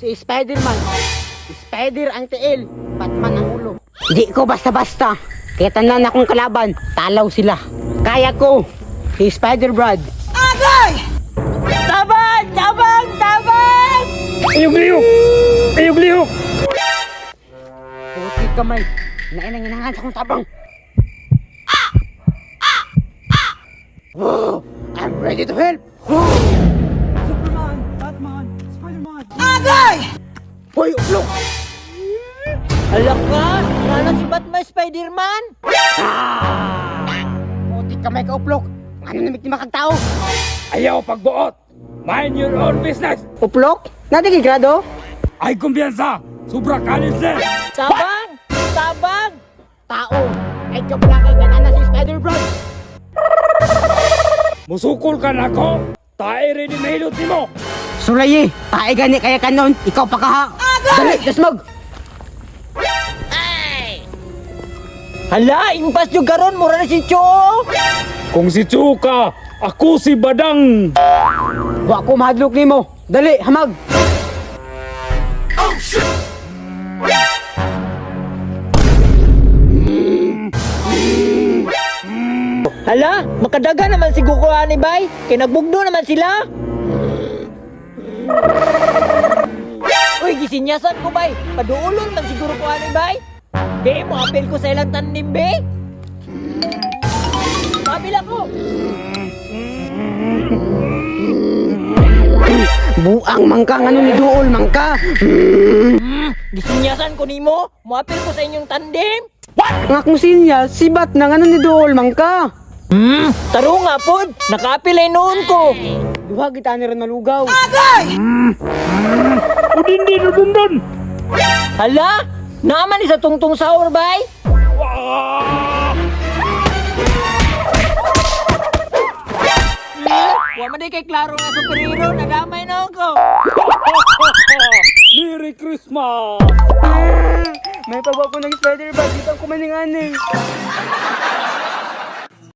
Si Spider-Man. Spider ang tiil, Batman ang ulo. Di ko basta-basta. Kaya tanan akong kalaban, talaw sila. Kaya ko, si Spider-Brad. Agay! Tabang! Tabang! Tabang! Iyog-liyog! Iyog-liyog! Puti kamay, nainanginangan sa akong tabang. Oh, I'm ready to help. Superman! Batman! Spider-Man! Agay! Hoy, uplok! Alam ka, nana si Batman Spider-Man. Puti kamay ka, uplok. Ano namit ni makagtao? Ayaw pagbuot! Mind your own business! Uplok? Natigil grado? Ay kumpiyansa! Sobra kanin sir! Tabang! Tabang! Tao, ay kabalakay nga na si Spider-Brad. Musukol ka na ko! Tae rin yung mahilot mo! Sulayi, tae gani kaya kanon, ikaw pa kaha. Dali, dasmag! Hala, impas yung garon, mura na si Cho. Kung si Chuka, ako si Badang! Wa ko mahadlok nimo. Dali, hamag! Hala, makadaga naman si Gukuha ni Bay. Kinagbugdo naman sila. Uy, gisinyasan ko, Bay. Paduulon man siguro ko ni Bay. Di, mo apel ko sa ilang tanim, Bay. Mabil ako. Buang mangka ngano ni Duol mangka. Gisinyasan ko nimo. Mo apel ko sa inyong tandem. Nga kung sinya, sibat na ngano ni Duol mangka. Taro nga, pod. Naka-apel ay noon ko. Duha kita ni ron malugaw. Udin din, udundun! Hala, naman isa tungtong sahur, Bay. Wa man di kay klaro nga superhero, nadamay na ako. Merry Christmas! May pawa ko ng Spider-Brad, dito ako maningani.